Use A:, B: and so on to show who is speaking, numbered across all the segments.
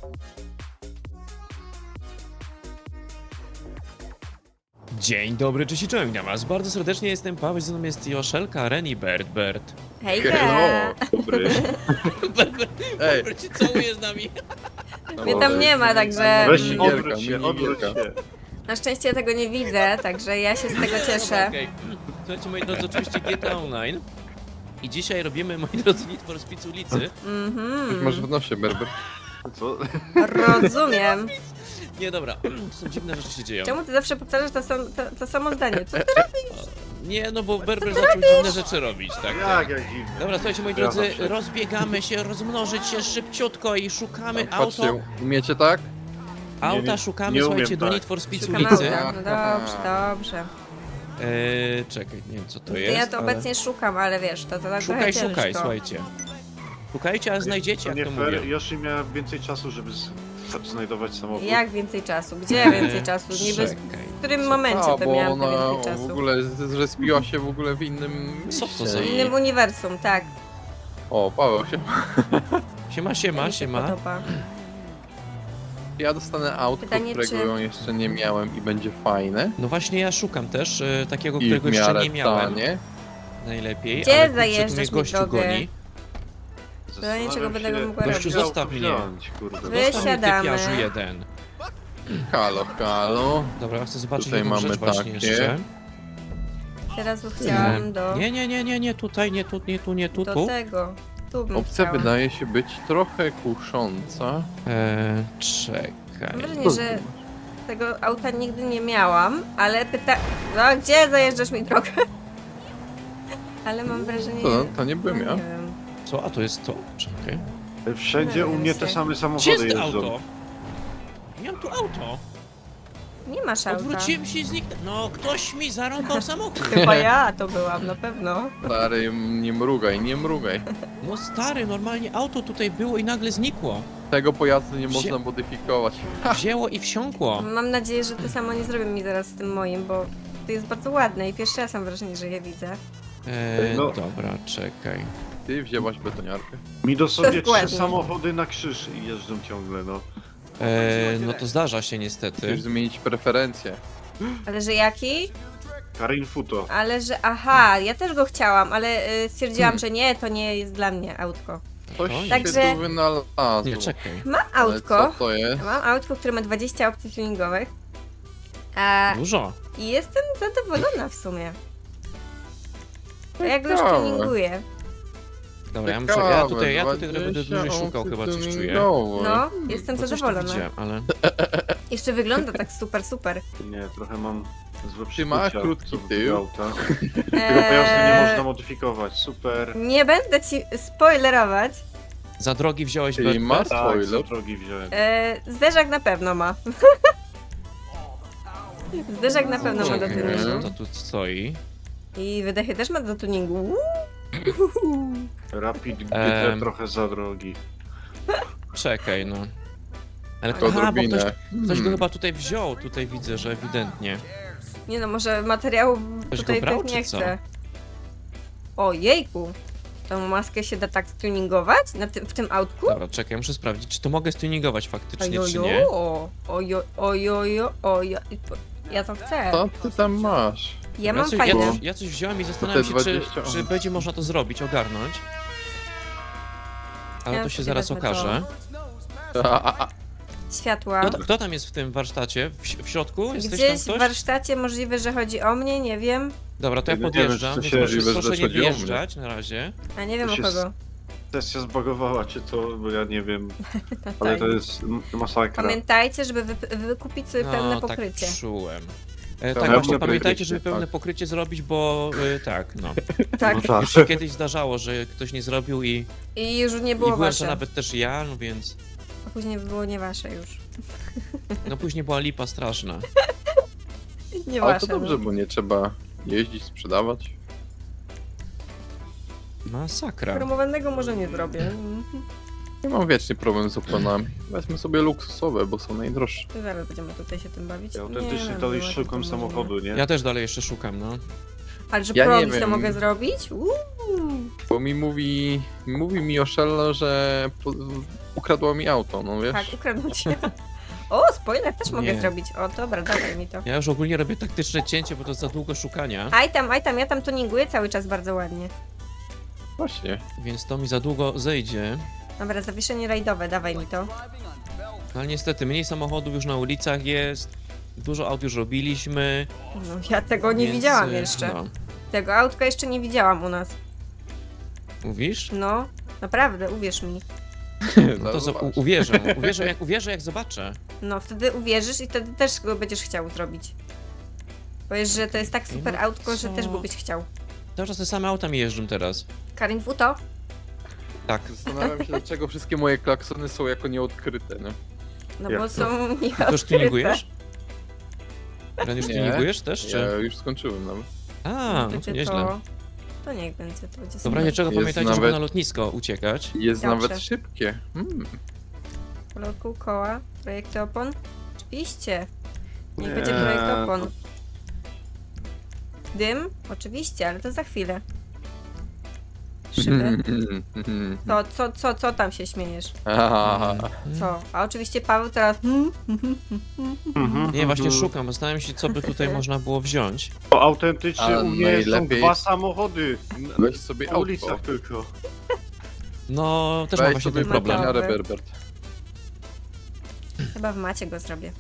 A: Dzień dobry, cześć i czołem, witam was bardzo serdecznie, jestem Paweł, ze mną jest Joszelka, Ren i Bert.
B: Hejka!
C: Dobry. Ej.
A: Bert cię całuje z nami.
B: Mnie tam nie ma, także
C: Weź się,
B: mm,
C: odwróć się, odwróć się.
B: na szczęście ja tego nie widzę, także ja się z tego cieszę.
A: Okej. Słuchajcie, moi drodzy, oczywiście GTA Online. I dzisiaj robimy, moi drodzy, Need for Speed ulicy.
C: Coś masz w nosie, Berber. Co?
B: Rozumiem.
A: Nie, dobra, są dziwne rzeczy się dzieją.
B: Czemu ty zawsze powtarzasz to samo zdanie? Co ty?
A: Nie, no bo Berber zaczął dziwne rzeczy robić, tak?
C: Jak dziwne.
A: Dobra, słuchajcie, moi
C: Ja
A: drodzy,
C: zawsze.
A: rozbiegamy się, rozmnożyć się szybciutko i szukamy
C: Patrzcie,
A: auto.
C: umiecie tak?
A: Auta
C: nie-
A: szukamy,
C: nie umiem
A: słuchajcie, do
C: tak.
A: Need for Speed
B: Szukam
A: ulicy.
B: auta. No dobrze, dobrze.
A: Czekaj, nie wiem co to
B: To
A: jest,
B: ja to
A: ale...
B: obecnie szukam, ale wiesz, to tak
A: Szukaj,
B: trochę
A: szukaj,
B: ciężko.
A: słuchajcie. Szukajcie, a znajdziecie,
C: To
A: jak
C: nie
A: to mówię.
C: fair, Yoshi miała więcej czasu, żeby znajdować samochód.
B: Jak więcej czasu? Gdzie więcej czasu? Niby
A: Czekaj.
B: w którym momencie to
C: bo
B: miałam to
C: ona
B: więcej
C: w
B: czasu?
C: ogóle zrespiła się w ogóle w innym
A: Co to
C: mieście
A: za-
B: W
C: i-
B: innym uniwersum, tak.
C: O, Paweł się.
A: Siema,
B: Mi się
A: siema.
B: podoba.
C: Ja dostanę autko,
B: Pytanie,
C: którego
B: czy-
C: jeszcze nie miałem i będzie fajne.
A: No właśnie ja szukam też takiego,
C: I w
A: którego jeszcze
C: miarę
A: nie miałem.
C: tanie.
A: Najlepiej,
B: Gdzie
A: ale kurczę, tu
B: zajeżdżasz
A: mnie
B: mi
A: gościu
B: drogę?
A: goni.
B: Do niczego będę mogła
A: Gościu,
B: robić.
A: zostaw mnie.
C: Kurde.
B: Wy-
A: Zostaw mnie,
B: Wysiadamy.
A: typiarzu jeden.
C: Halo, halo.
A: Dobra, ja chcę zobaczyć
C: Tutaj
A: jedną
C: mamy
A: rzecz właśnie
C: takie.
A: jeszcze.
B: Teraz chciałam do...
A: Nie, tutaj, nie tu,
B: Do
A: tu.
B: tego. Tu bym
C: Opcja
B: chciała.
C: wydaje się być trochę kusząca.
A: Czekaj.
B: Mam wrażenie, że tego auta nigdy nie miałam, ale No, gdzie zajeżdżasz mi drogę? Ale mam wrażenie...
C: To nie byłem
B: no,
C: ja.
B: nie wiem.
A: Co? A to jest to? Czekaj.
C: Wszędzie u mnie te same
A: Gdzie
C: samochody
A: jest
C: jeżdżą.
A: auto? Miałem tu auto.
B: Nie masz auta.
A: Odwróciłem się i zniknął. No, ktoś mi zarąbał samochód.
B: Chyba ja to byłam, na pewno.
C: Stary, nie mrugaj, nie mrugaj.
A: No stary, normalnie auto tutaj było i nagle znikło.
C: Tego pojazdu nie można modyfikować.
A: Wzięło i wsiąkło.
B: Mam nadzieję, że to samo nie zrobią mi zaraz z tym moim, bo to jest bardzo ładne i pierwszy raz mam wrażenie, że je widzę.
C: No.
A: Dobra, czekaj.
C: Ty wzięłaś betoniarkę. Mi dosłownie
B: Dokładnie.
C: 3 samochody na krzyż i jeżdżą ciągle, no.
A: No to zdarza się
C: Chcesz
A: niestety.
C: zmienić preferencje.
B: Ale że jaki?
C: Karin Futo.
B: Ale że... Aha, ja też go chciałam, ale stwierdziłam, że nie, to nie jest dla mnie autko.
C: Coś
A: Oj.
C: się
B: Także-
C: tu wynalazło.
A: Nie, czekaj.
B: Mam
C: Ale
B: autko.
C: co to jest?
B: Mam autko, które ma 20 opcji tuningowych. A,
A: Dużo.
B: I jestem zadowolona w sumie. To jak go już
C: Ciekawe.
B: tuninguję.
A: Dobra, ja
C: Ciekawe,
A: tutaj trochę będę
C: 20
A: dłużej szukał, chyba coś czuję.
C: tuningowe.
B: No, jestem
A: Bo coś tu
B: zadowolona.
A: widziałem, ale...
B: Jeszcze wygląda tak super.
C: Nie, trochę mam złe Ty masz przeczucia krótki co do tył. tego auta. Tego pojazdu nie można modyfikować, super.
B: Nie będę ci spoilerować.
A: Za drogi wziąłeś
C: Czyli
A: Bert?
C: masz
A: Bert?
C: spoiler. Tak, za drogi wziąłem.
B: Zderzak na pewno ma. Zderzak na pewno ma do
A: Czekaj,
B: tuningu.
A: to tu stoi.
B: I wydechy też ma do tuningu.
C: Rapid GT trochę za drogi.
A: Czekaj, no. Ale
C: To
A: aha, bo
C: odrobinę.
A: ktoś go chyba tutaj wziął, tutaj widzę, że ewidentnie.
B: Nie no, może materiału
A: Ktoś
B: tutaj
A: go brał,
B: tak nie
A: czy co?
B: chcę. O jejku. Tą maskę się da tak stuningować w tym autku?
A: Dobra, czekaj, muszę sprawdzić, czy to mogę stuningować faktycznie, czy nie.
B: Ojojo, ojojo, ojo. Ja to chcę.
C: Co ty tam masz?
B: Ja mam
A: coś,
B: fajne.
A: ja coś wziąłem i zastanawiam się, czy
C: 20,
A: czy będzie można to zrobić, ogarnąć. Ale
B: Ja
A: to się
B: sobie
A: zaraz
B: wezmę to.
A: okaże.
B: Światła.
A: Kto tam jest w tym warsztacie? W środku? Jesteś tam
B: Gdzieś w
A: ktoś?
B: warsztacie możliwe, że chodzi o mnie, nie wiem.
A: Dobra, to ja
C: Nie wiemy,
A: podjeżdżam,
C: czy
A: więc
C: się
A: proszę,
C: możliwe, że
A: proszę nie
C: chodzi o mnie.
A: wjeżdżać na razie.
B: A nie wiem
C: To
B: o
C: się
B: kogo.
C: Sesja zbagowała cię to, bo ja nie wiem. Ale
B: Tak.
C: to jest masakra.
B: Pamiętajcie, żeby wykupić sobie pełne pokrycie.
A: Tak czułem.
C: Pełne
A: Tak, właśnie
C: pokrycie,
A: pamiętajcie, żeby pełne
C: tak.
A: pokrycie zrobić, bo tak, no.
B: Tak.
C: No tak.
A: Już się kiedyś zdarzało, że ktoś nie zrobił i
B: I już nie
A: i
B: było
A: byłem to
B: wasze.
A: nawet też ja, no więc...
B: A później było nie wasze już.
A: No później była lipa straszna.
B: Nie
C: Ale
B: wasze.
C: to dobrze,
B: no.
C: bo nie trzeba jeździć, sprzedawać.
A: Masakra.
B: Promowanego może nie zrobię.
C: Nie mam wiecznie problem z oponami. Weźmy sobie luksusowe, bo są najdroższe.
B: To zaraz będziemy tutaj się tym bawić.
C: Ja
B: Nie,
C: autentycznie
B: no,
C: dalej
B: była to
C: szukam
B: możliwe.
C: samochodu, nie?
A: Ja też dalej jeszcze szukam, no.
B: Ale że
C: Ja nie
B: promis to
C: wiem.
B: mogę zrobić?
D: Bo mówi mi Oszello, że ukradło mi auto, no wiesz?
B: Tak, ukradł cię. O, spoiler też mogę
A: Nie.
B: zrobić. O, dobra, dawaj mi to.
A: Ja już ogólnie robię taktyczne cięcie, bo to za długo szukania,
B: Aj tam, ja tam tuninguję cały czas bardzo ładnie.
D: Właśnie.
A: więc to mi za długo zejdzie.
B: Dobra, zawieszenie rajdowe, dawaj mi to.
A: No ale niestety mniej samochodów już na ulicach jest, dużo aut już robiliśmy.
B: No, ja tego nie
A: więc,
B: widziałam jeszcze.
A: No.
B: Tego autka jeszcze nie widziałam u nas.
A: Mówisz?
B: No, naprawdę, uwierz mi.
A: No to
D: zobacz.
A: uwierzę jak zobaczę.
B: No, wtedy uwierzysz i wtedy też go będziesz chciał zrobić. Powiesz, że to jest tak super
A: no
B: autko, że
A: co?
B: też byś chciał.
A: Cały czas te same auta mi jeżdżą teraz.
B: Karin Futo?
A: Tak.
D: Zastanawiam się, dlaczego wszystkie moje klaksony są jako nieodkryte, nie?
B: No
C: Jak
B: bo
C: to?
B: są
A: To już
B: nieodkryte.
A: tuningujesz? Ren, już
D: Nie.
A: tuningujesz też,
D: Ja
A: czy?
D: już skończyłem nawet.
A: A, no to
B: Ty
A: nieźle.
B: to niech będzie, to będzie
A: Dobra,
B: super.
A: niczego
D: Jest
A: pamiętajcie, żeby
D: nawet-
A: na lotnisko uciekać.
D: Jest
B: Dobrze.
D: nawet szybkie.
B: Kolor kół, koła, projekty opon? Oczywiście. Niech
C: Nie,
B: będzie projekt opon.
C: to-
B: Dym? Oczywiście, ale to za chwilę. Szyby? Co tam się śmiejesz? Co? A oczywiście Paweł teraz...
A: Nie, właśnie szukam, zastanawiam się, co by tutaj można było wziąć.
C: Autentycznie
D: A
C: u mnie są
D: najlepiej-
C: 2 samochody.
D: Weź sobie
C: Na
D: auto.
C: ulicach tylko.
A: No, też mam
D: Weź
A: właśnie
D: sobie
A: ten problem.
D: Miarę Berbert.
B: Chyba w macie go zrobię.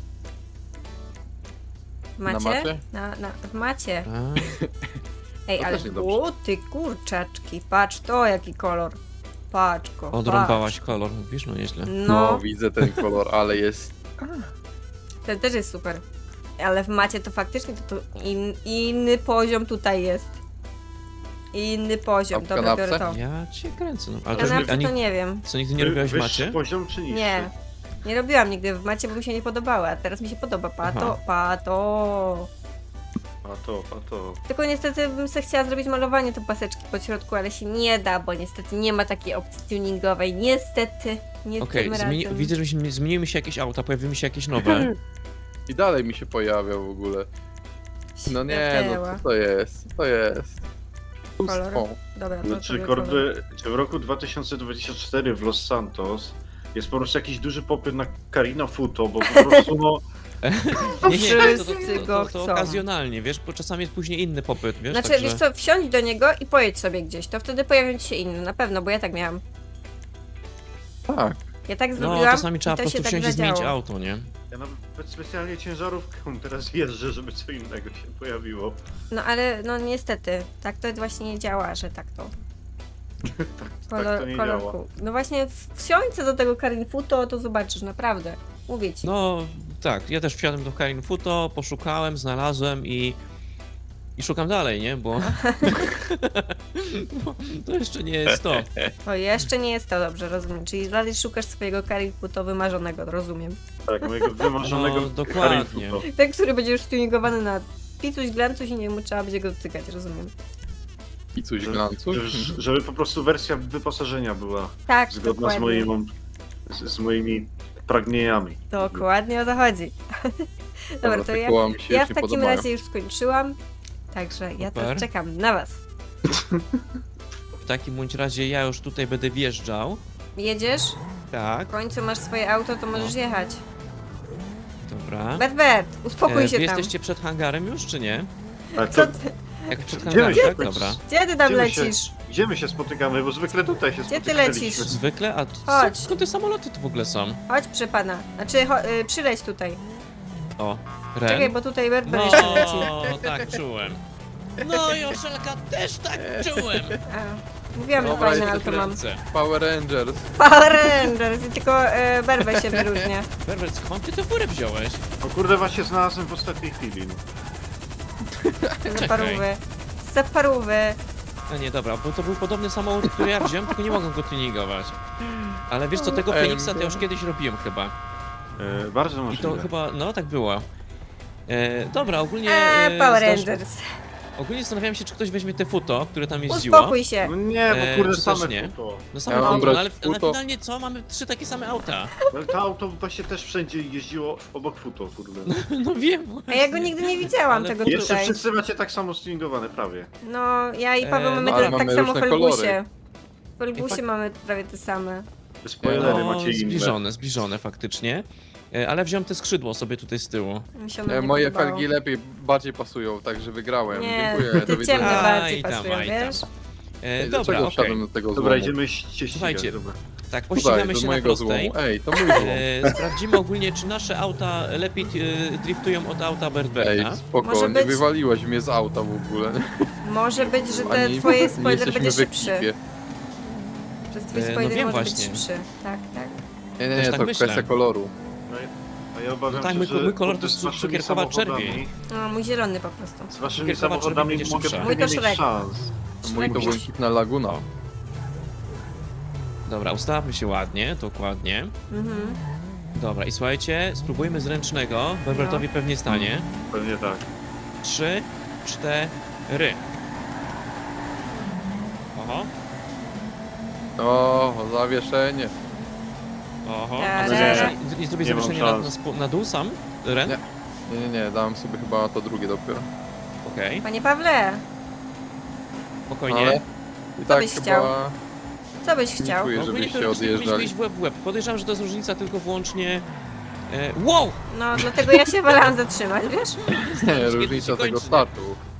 B: W
D: Na
B: macie?
D: macie?
B: W macie.
A: A,
B: Ej,
D: To
B: ale...
D: też niedobrze.
B: O, ty kurczaczki. Patrz to, jaki kolor. Patrz go,
A: odrąbałaś kolor, mówisz? No nieźle.
B: patrz.
D: No,
B: No,
D: widzę ten kolor, ale jest...
B: ten też jest super. Ale w macie to faktycznie inny poziom tutaj jest. Inny poziom.
D: A w
B: Dobra, biorę to.
D: kanapce?
A: Ja cię kręcę, no. Ale to,
B: Kanapce
A: ani,
B: to nie wiem.
A: co, nigdy nie robiłaś w
C: Wyższy
A: macie?
C: poziom czy niższy?
B: Nie. Nie robiłam nigdy w macie, bo mi się nie podobały, a teraz mi się podoba. Pato,
A: Aha.
B: pato.
C: A to.
B: Tylko niestety bym sobie chciała zrobić malowanie te paseczki po środku, ale się nie da, bo niestety nie ma takiej opcji tuningowej. Niestety, nie
A: Okej,
B: tym razem.
A: widzę, że zmieniły mi się jakieś auta, pojawiły się jakieś nowe.
D: I dalej mi się pojawia w ogóle. No nie, no
B: Świateła.
D: co to jest? Co to jest?
B: Kolor?
D: Pustwo.
B: Dobra, to
C: Znaczy,
B: sobie kolor.
C: czy w roku 2024 w Los Santos jest po prostu jakiś duży popyt na Carino Futo, bo po prostu no...
A: Nie,
B: Wszyscy go
A: to
B: chcą.
A: okazjonalnie, wiesz, bo czasami jest później inny popyt, wiesz,
B: Znaczy,
A: także...
B: wiesz co, wsiądź do niego i pojedź sobie gdzieś, to wtedy pojawią ci się inne, na pewno, bo ja tak miałam.
D: Tak.
B: Ja tak
A: No,
B: zrobiłam
A: czasami trzeba
B: i
A: po
B: to
A: prostu
B: się tak
A: wsiąść i zmienić
B: zadziało.
A: auto, nie?
C: Ja nawet specjalnie ciężarówką teraz jeżdżę, żeby co innego się pojawiło.
B: No ale, no niestety, tak to właśnie nie działa, że tak to.
C: Tak to nie działa.
B: Kolorku. No właśnie, wsiądź do tego Karin Futo, to zobaczysz, naprawdę. Mówię ci.
A: No, tak, ja też wsiadłem do Karin Futo, poszukałem, znalazłem i szukam dalej, nie? Bo no, to jeszcze nie jest to.
B: To jeszcze nie jest to dobrze, rozumiem. Czyli dalej szukasz swojego Karin Futo wymarzonego, rozumiem.
C: Tak, mojego wymarzonego
A: No,
C: Carino
A: dokładnie.
C: Futo.
B: Ten, który będzie już tuningowany na picuś, glancuś i nie mu trzeba będzie go dotykać, rozumiem.
D: I coś glancu.
C: Żeby po prostu wersja wyposażenia była
B: Tak,
C: zgodna z
B: dokładnie.
C: z moimi pragnieniami.
B: Dokładnie o to chodzi. Dobra, to
D: Koła mi się
B: ja
D: już
B: w
D: nie
B: takim
D: podobają.
B: razie już skończyłam. Także ja teraz
A: Super.
B: czekam na was.
A: W takim bądź razie ja już tutaj będę wjeżdżał.
B: Jedziesz?
A: Tak,
B: W końcu masz swoje auto, to możesz jechać.
A: dobra.
B: Bert, uspokój
A: Wy
B: się tam.
A: jesteście przed hangarem już, czy nie?
C: Ale
B: Co
C: to,
B: ty,
A: Jak przed
C: Gdzie
A: hangarem,
C: my
A: tak?
C: się-
A: Dobra.
B: gdzie ty tam
C: Gdzie my się-
B: lecisz?
C: gdzie my się spotykamy? Bo zwykle tutaj się
B: Gdzie ty
C: spotykaliśmy.
B: lecisz?
A: Zwykle? A
B: Chodź.
A: skąd te samoloty tu w ogóle są?
B: Chodź, przy pana. Znaczy, przyleć tutaj.
A: O,
B: Czekaj,
A: Ren.
B: bo tutaj Bert
A: No,
B: jeszcze leci.
A: tak czułem. No i Oszelka też tak czułem.
B: A, mówiłam, że
D: Dobra,
B: fajne
D: jest
B: auto mam.
A: Ręce.
D: Power Rangers.
B: Power Rangers i tylko Berbę się wyróżnia.
A: Berbert, skąd ty tę furę wziąłeś?
C: O kurde, właśnie znalazłem w ostatniej chwili. No.
B: Za parówy. Za parówy.
A: A nie, dobra, bo to był podobny samochód, który ja wziąłem, tylko nie mogłem go tuningować. Ale wiesz co, tego
D: Ej,
A: Feniksa to ja już kiedyś robiłem chyba.
C: Bardzo
A: I to
C: możliwe.
A: chyba, no tak było. Dobra, ogólnie...
B: Power Rangers.
A: Ogólnie zastanawiałem się, czy ktoś weźmie te futo, które tam jeździło.
B: Uspokój się.
C: No nie, bo kurde,
A: czy też
C: same
A: nie?
C: futo.
A: No same
D: Ja mam
A: futo,
D: brać
A: no, ale
D: futo.
A: finalnie co? Mamy 3 takie same auta.
C: Ale to auto właśnie też wszędzie jeździło obok futo, kurde.
A: No wiem
B: A
A: właśnie.
B: ja go nigdy nie widziałam,
A: Ale
B: tego
C: Jeszcze
B: tutaj.
C: wszyscy macie tak samo stuningowane, prawie.
B: No, ja i Paweł mamy
A: no,
D: ale
B: tak
D: mamy
B: samo w
D: różne
B: Felgusie.
D: kolory.
B: W Felgusie mamy prawie te same.
C: Spoilery
A: No,
C: macie inne.
A: zbliżone faktycznie. Ale wziąłem te skrzydło sobie tutaj z tyłu.
B: Mi się ono nie
D: Moje
B: podobało.
D: felgi bardziej pasują, także wygrałem.
B: Nie,
D: Dziękuję, do
B: te ciemne
D: widzenia.
B: bardziej
A: Aj tam,
B: pasują,
A: aj tam.
B: wiesz?
A: Dobra,
D: Dlaczego
A: okej.
D: wsiadłem do tego
C: Dobra,
D: złomu?
C: idziemy się ścigać.
A: Słuchajcie.
C: Dobra.
A: Tak,
D: Tutaj,
A: pościgamy
D: do
A: się na
D: mojego
A: prostej.
D: złomu. Ej, to mój złom.
A: Sprawdzimy ogólnie, czy nasze auta lepiej driftują od auta
D: Ej,
A: Bertberta.
D: spoko,
B: Może
D: nie
B: być-
D: wywaliłeś mnie z auta w ogóle.
B: Może być, że
D: Ani
B: te twoje
D: nie
B: spoiler
D: jesteśmy
B: będzie
D: w
B: szybszy.
D: ekipie.
B: Że twój
A: No
B: spoiler
A: wiem
B: może
A: właśnie.
B: być szybszy. Tak, tak.
D: Nie,
A: Też
D: nie,
A: tak
D: to
A: myślę.
D: kwestia koloru.
C: No a ja obawiam
A: No tak,
C: się,
A: mój-
C: że
A: mój kolor
C: kurde,
A: to
C: z waszymi
A: cukierkowa
C: samochodami-
A: czerwień.
B: No, mój zielony po prostu.
C: Z waszymi
A: Cukierkowa
C: samochodami
A: czerwień
C: mogę
A: będzie
C: trochę
B: Mój
C: nie
B: to
C: mieć
B: Shrek.
C: szans.
D: Mój to
B: Szlak-
D: błękitna laguna.
A: Dobra, ustawmy się ładnie, dokładnie.
B: Mhm.
A: Dobra, i słuchajcie, spróbujmy z ręcznego. Berbertowi pewnie stanie.
C: Pewnie tak.
A: 3, 4. Oho,
D: O, zawieszenie.
A: oho.
B: Ta-da.
A: A co, nie zrobię
C: Nie mam
A: zawieszenia
C: szans.
A: na dół sam? Ren?
D: Nie. Nie, dałem sobie chyba to drugie dopiero.
A: Okej,
B: Panie Pawle,
A: spokojnie.
D: Ale i tak
B: byś
D: chyba...
B: chciał? co byś
D: Nie
B: chciał?
D: czuję,
A: No, ogólnie
D: żebyście
A: teoretycznie powinniśmy
D: odjeżdżali.
A: iść w łeb w łeb. Podejrzewam, że to jest różnica tylko wyłącznie... Wow!
B: No, dlatego ja się wolałam zatrzymać, wiesz?
D: Nie,
A: się
D: różnica tego
A: kończy, nie?
D: startu.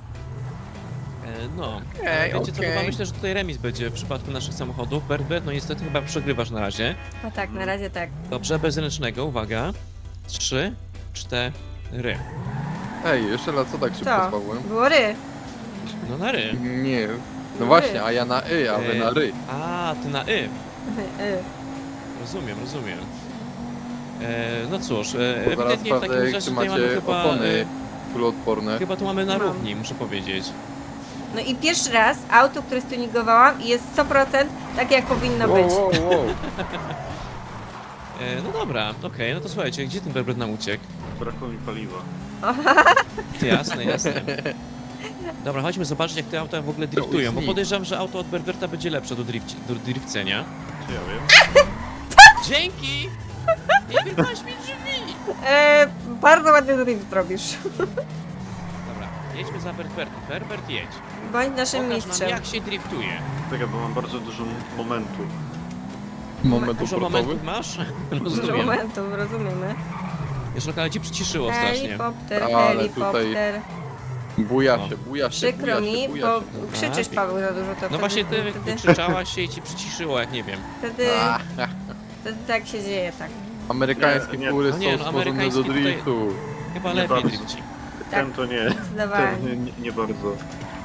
A: No,
D: Okej,
A: wiecie co,
D: okej.
A: chyba myślę, że tutaj remis będzie w przypadku naszych samochodów. Berbert, no niestety chyba przegrywasz na razie.
B: No tak, na razie tak.
A: Dobrze, bez ręcznego, uwaga. 3, 4.
D: Ej, jeszcze raz, co tak szybko
B: Co?
D: spałem?
B: Było ry.
A: No na ry.
D: Nie.
B: Ry.
D: No właśnie, a ja na a wy na ry.
A: A, ty na y.
B: Y.
A: Rozumiem, rozumiem. No cóż,
D: Zaraz
A: ewidentnie w takim
D: sprawdzę,
A: razie
D: czy
A: tutaj mamy
D: macie
A: chyba...
D: opony kuloodporne.
A: Chyba tu mamy na
B: Mam.
A: równi, muszę powiedzieć.
B: No i pierwszy raz auto, które stuningowałam i jest 100% takie jak powinno
D: Wow,
B: być.
D: wow, wow.
A: No dobra, okej, no to słuchajcie, gdzie ten Berbert nam uciekł?
C: Brakło mi paliwa.
A: Jasne, jasne. Dobra, chodźmy zobaczyć, jak te auta w ogóle driftują, bo
D: nic.
A: podejrzewam, że auto od Berberta będzie lepsze do drifcenia.
C: Czy ja wiem?
A: Dzięki! Nie wypaść mi drzwi!
B: Bardzo ładny drift robisz.
A: Dobra, jedźmy za Berbertem. Berbert, jedź.
B: Bądź naszym
A: Pokaż nam,
B: mistrzem.
A: jak się driftuje.
C: Czekaj, bo mam bardzo dużo momentu.
D: Moment
A: Dużo
D: obrotowy.
A: momentów masz?
B: Dużo
A: Rozumiem.
B: momentów, rozumiemy.
A: Jeszcze ale ci przyciszyło strasznie.
B: Helikopter,
D: Ale
B: helikopter.
D: Buja
A: O.
D: się, buja się,
B: Przykro
D: buja
B: mi,
D: się, buja
B: bo
D: się.
B: krzyczysz, Paweł, za dużo to
A: No właśnie ty
B: wtedy,
A: wykrzyczałaś się i ci przyciszyło, jak nie wiem.
B: wtedy, wtedy tak się dzieje, tak.
D: Amerykańskie
C: Nie, nie.
D: fury
A: No nie,
D: są
A: no,
D: stworzone do
A: amerykański tutaj-
D: driftu.
A: Chyba
C: Nie
A: lepiej
C: bardzo.
A: drifci.
C: Ten to nie.
B: Zdecydowanie.
C: Ten nie bardzo.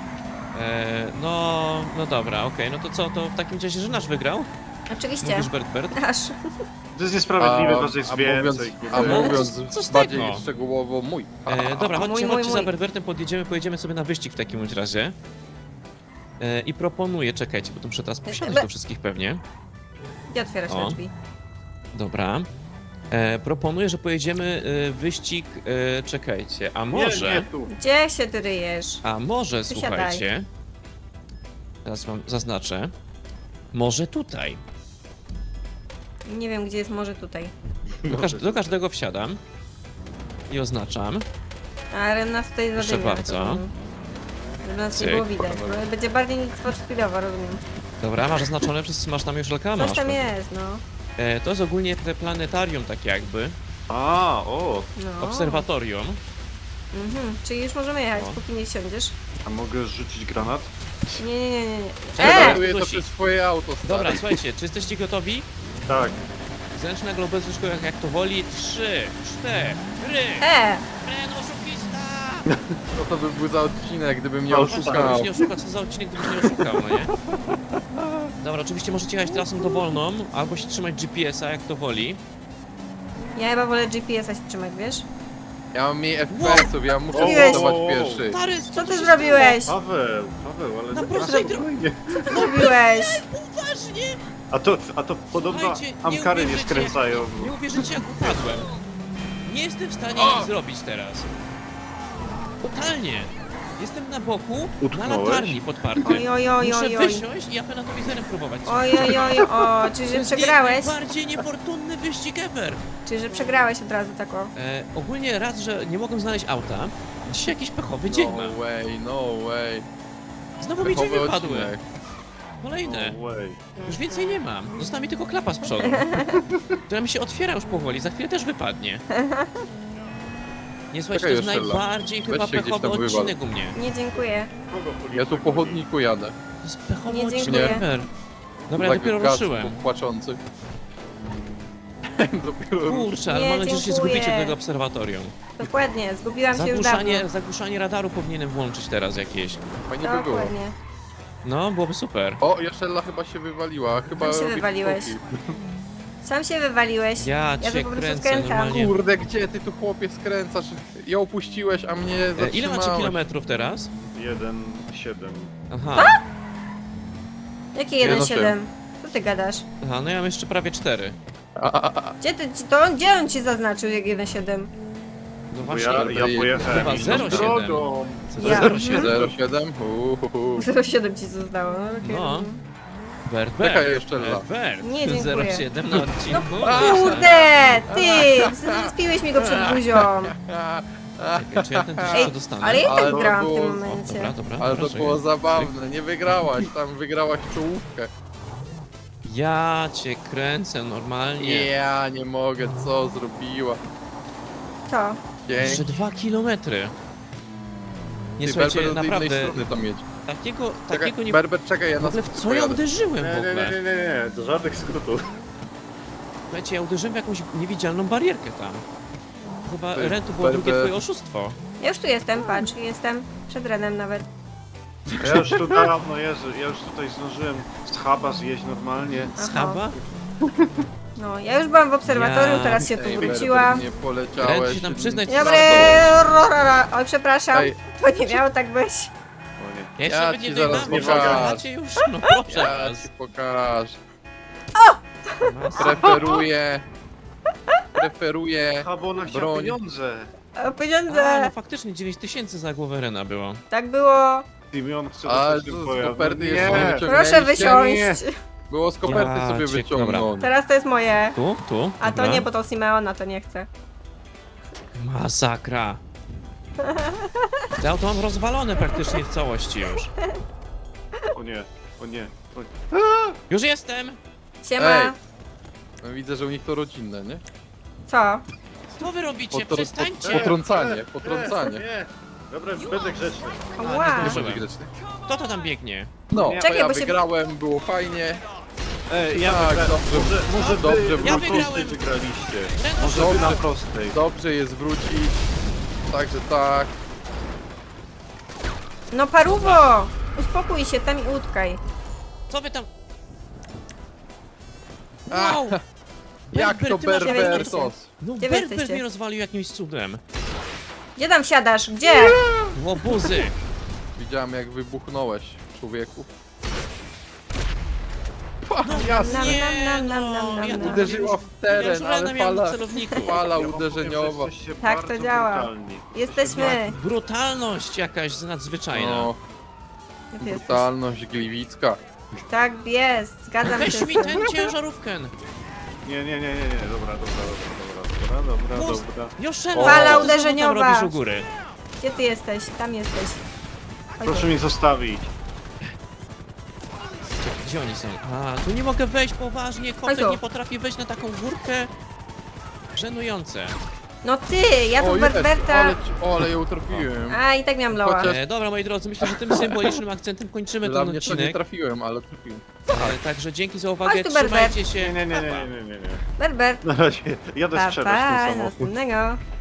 A: No dobra, okej, no to co, to w takim razie, że nasz wygrał?
B: Oczywiście.
A: Mówisz Berbert?
B: Aż.
C: To jest niesprawiedliwe, was jest więcej.
D: A
C: kurde.
D: mówiąc
A: co z
D: bardziej
A: tego?
D: szczegółowo mój.
A: Dobra, chodźcie,
B: Mój.
A: chodźcie za Berbertem, pojedziemy sobie na wyścig w takim bądź razie. I proponuję, czekajcie, bo tu muszę teraz posiadać do wszystkich pewnie.
B: Gdzie otwierasz
A: O.
B: te drzwi?
A: Dobra. Proponuję, że pojedziemy wyścig, czekajcie, a może...
C: Nie tu.
B: Gdzie się ty ryjesz?
A: A może,
B: Wysiadaj.
A: słuchajcie, teraz wam zaznaczę, może tutaj.
B: Nie wiem, gdzie jest może tutaj.
A: Do każdego wsiadam i oznaczam.
B: A Ren nas tutaj
A: Proszę
B: zadymia.
A: bardzo.
B: Żeby nas nie
A: Cyk.
B: było widać. No, będzie bardziej nic speedowo, rozumiem.
A: Dobra, masz zaznaczone, wszyscy masz tam już reklamę.
B: Coś tam jest, no.
A: To jest ogólnie te planetarium tak jakby,
C: A, o.
B: no.
A: obserwatorium.
B: Czyli już możemy jechać,
A: No.
B: póki nie wsiądziesz.
C: A mogę rzucić granat?
B: Nie.
A: Czekaj,
D: Zagaduję to
A: Dusi.
D: przez swoje auto, stary.
A: Dobra, słuchajcie, czy jesteście gotowi?
C: Tak.
A: Zręcznego lub bezręcznego, jak to woli. 3, 4. Ren, oszukista!
D: Co to by był za odcinek, gdybym nie
C: Ale
D: oszukał?
A: Gdybyś nie oszukał, co za odcinek, gdybyś nie oszukał, no nie? Dobra, oczywiście możecie jechać trasą dowolną, albo się trzymać GPS-a, jak to woli.
B: Ja chyba wolę GPS-a się trzymać, wiesz?
D: Ja mam mniej FPS-ów, ja muszę
B: Zrobiłeś?
D: startować pierwszy.
A: Stary,
B: Co ty zrobiłeś?
C: Paweł, ale
A: Na
C: na
A: prostej
C: spokojnie.
B: Co ty zrobiłeś?
A: Uważnie!
C: A to podobno
A: Słuchajcie,
C: amkary nie
A: uwierzycie,
C: skręcają.
A: Nie uwierzycie, jak upadłem. Nie jestem w stanie nic zrobić teraz. Totalnie. Jestem na boku, na
C: Utknąłeś?
A: latarni podparty.
B: Oj, oj, oj,
A: Muszę
B: oj, oj.
A: wysiąść i apenatowizerem próbować.
B: Oj, oj, oj, o, czyli że przegrałeś?
A: Najbardziej niefortunny wyścig ever.
B: Czyli że przegrałeś od razu tak o.
A: Ogólnie raz, że nie mogłem znaleźć auta. Dzisiaj jakiś pechowy dzień
D: No
A: mam.
D: way, no way.
A: Znowu mi drzwi
D: Pechowy
A: wypadły.
D: odcinek.
A: Kolejne.
C: No way.
A: Już więcej nie mam. Została mi tylko klapa z przodu. Która mi się otwiera już powoli. Za chwilę też wypadnie. Nie słuchajcie, to
D: Czekaj,
A: jest
D: Jeszczela.
A: najbardziej
D: Weź
A: chyba
D: się gdzieś
A: pechowy
D: tam wywal.
A: odcinek u mnie.
B: Nie dziękuję.
D: Ja tu po chodniku jadę.
A: To jest pechowy
B: Nie,
A: odcinek
B: dziękuję.
A: ever. Dobra, ja
D: Tak
A: dopiero
D: gaz
A: ruszyłem.
D: płaczący. Dopiero
A: Kurczę, ale
B: Nie,
A: mam nadzieję, że się
B: dziękuję.
A: zgubicie do tego obserwatorium.
B: Dokładnie, zgubiłam się już dawno.
A: Zagłuszanie radaru powinienem włączyć teraz jakieś.
D: fajnie by było.
B: Dokładnie.
A: No, byłoby super.
D: O, Jaszella chyba się wywaliła. Chyba
B: Tam się
D: robi
B: wywaliłeś.
D: skoki.
B: Sam się wywaliłeś.
A: Ja
B: Ja
A: cię
B: to po prostu
A: kręcę
B: skręcam.
A: normalnie.
D: Kurde, gdzie ty tu chłopie skręcasz? Ją opuściłeś, a mnie zatrzymałeś.
A: Ile macie kilometrów teraz?
C: 1,7.
A: Aha.
B: Jakie
D: Nie, no
B: 1,7? Co ty gadasz?
A: Aha, no ja mam jeszcze prawie 4.
B: Gdzie ty, gdzie on ci zaznaczył jak 1,7?
A: No
C: Bo
A: właśnie.
C: ja pojechałem
A: Chyba
C: inną
A: 0,7.
C: drogą.
B: Ja.
A: 0,7.
D: 07?
B: 0,7 ci zostało, no okej.
A: No. Bert,
D: Czekaj jeszcze raz.
A: Bert.
B: Nie, dziękuję.
A: 0,7 na odcinku.
B: Kurde, ty! Spiłeś mi go przed buzią.
A: Czekaj, czy ja ten też
B: Ej,
A: co dostanę?
B: ale ja i
D: Ale
B: tak
D: to
B: grałam w
D: było-
B: tym
A: O,
B: momencie.
A: dobra, dobra.
D: Ale to
A: proszę.
D: było zabawne, nie wygrałaś, tam wygrałaś czołówkę.
A: Ja cię kręcę normalnie.
D: Ja nie mogę, co zrobiła.
B: Co?
A: Jeszcze
D: Dzięki.
A: 2 kilometry. Nie
D: Ty,
A: słuchajcie,
D: Berber, do innej
A: naprawdę
D: strony tam jedź.
A: takiego nie...
D: Berber, czekaj, ja
A: W
D: na
A: ogóle w co ja
D: pojadę.
A: uderzyłem
C: Nie,
A: w
C: nie,
A: ogóle?
C: nie, do żadnych skrótów.
A: Słuchajcie, ja uderzyłem w jakąś niewidzialną barierkę tam. Chyba
D: To jest
A: Ren, to było drugie
D: Berber.
A: twoje oszustwo.
B: Ja już tu jestem, patrz, jestem przed Renem nawet.
C: Ja już tu dawno jeżdżę, ja już tutaj zdążyłem z huba zjeść normalnie.
A: Z
B: Aha.
A: huba?
B: No, ja już byłam w obserwatorium,
A: Ja-
B: teraz się tu
D: Ej,
B: wróciłam.
D: Berber, nie
A: Ren,
D: poleciałeś.
A: się tam przyznać,
B: Dobry,
A: co
B: oj przepraszam,
D: Ej.
B: to nie miało tak być.
C: O nie.
A: Ja jeszcze
D: Ja
A: nawet
D: ci
A: nie
D: zaraz
A: dojechałem,
C: pokażę.
A: macie już, no proszę
D: Ja
A: was.
D: ci pokażę.
A: Masakra.
D: Preferuję
C: A bo ona chciała
D: broń.
C: pieniądze.
B: O,
A: A, no
B: pieniądze.
A: faktycznie 9000 za głowę Rena było.
B: Tak było.
C: Simeon chce
D: A,
C: dostać
D: to
C: ten
D: z
C: pojazd.
D: koperty
C: No
D: jeszcze
C: nie.
D: wyciągnęliście?
B: Proszę
C: nie.
B: wysiąść.
D: Było z koperty
A: Ja
D: sobie
A: cię-
D: wyciągnąć.
B: Teraz to jest moje.
A: Tu?
B: A to
A: Dobra.
B: nie, bo to Simeona to nie chce.
A: Masakra. To auto mam rozwalone praktycznie w całości już.
C: O nie, o nie. O nie.
A: Już jestem!
B: Siema.
D: Ej. No, widzę, że u nich to rodzinne, nie?
B: Co?
A: Co wy robicie?
D: Potr-
A: Przestańcie!
D: Potrącanie, potrącanie.
C: Nie. Dobra, już będę grzeczny.
B: Ła.
A: nie
D: Nie
A: zdążyłem.
D: bądź grzeczny.
A: Kto to tam biegnie?
D: No,
C: Nie.
D: to
B: Czekaj,
D: ja
B: bo się-
D: wygrałem, było fajnie.
C: Ja
D: Tak,
C: wygrałem.
D: dobrze,
C: Może
D: dobrze,
C: wy
A: ja
C: na prostej
A: wygrałem.
C: wygraliście.
A: Ren,
C: Może wy na prostej.
D: Dobrze jest wrócić. Także tak.
B: No paruwo! Uspokój się tam i utkaj.
A: co wy tam...
D: A,
A: Wow!
D: jak to
A: ty masz-
D: Berbertos?
A: No
B: Gdzie wy
A: Berber
B: jesteście?
A: mnie rozwalił jakimś cudem.
B: Gdzie tam wsiadasz? Gdzie?
A: Łobuzy!
D: Widziałem jak wybuchnąłeś, człowieku.
B: Nam,
A: Nie,
B: nam, nam,
A: no,
B: nam, nam,
A: ja
B: nam.
D: Uderzyła w
A: Ja już
D: teren,
A: Rena
D: ale
A: miałem w
D: fala,
A: celowniku.
D: fala
C: Ja wam powiem, że
D: uderzeniowa.
C: jesteście
B: Tak to
C: bardzo
B: działa.
C: brutalni.
B: Jesteśmy.
A: Brutalność jakaś nadzwyczajna.
D: No,
B: Jak ty jesteś?
D: brutalność gliwicka.
B: Tak jest, zgadzam się
A: Weź
B: z
A: mi
B: tym.
A: ten ciężarówkę.
C: Nie, dobra.
A: Pust. Joszela,
D: Fala
A: co ty znowu
B: uderzeniowa.
A: tam robisz u góry?
B: Gdzie ty jesteś? Tam jesteś. Chodź
C: Proszę
B: tu.
C: mnie zostawić.
A: Czekaj, gdzie oni są? A, tu nie mogę wejść poważnie,
B: Chodź
A: kotek
B: tu.
A: nie potrafi wejść na taką górkę. Żenujące.
B: No ty, ja tu
D: O, jest,
B: Berberta.
D: ale ją trafiłem.
B: A, i tak miałam loa.
D: Chociaż-
A: Dobra, moi drodzy, myślę, że tym symbolicznym akcentem kończymy
D: Dla
A: ten
D: mnie to nie
A: odcinek.
D: trafiłem, ale trafiłem.
A: Także dzięki za uwagę,
B: Chodź tu, Berber.
A: trzymajcie się.
C: Nie.
A: Pa, pa.
C: Nie.
B: Berbert.
C: Na razie jadę
B: Pa,
C: sprzedać ten
B: pa,
C: samochód.
B: następnego.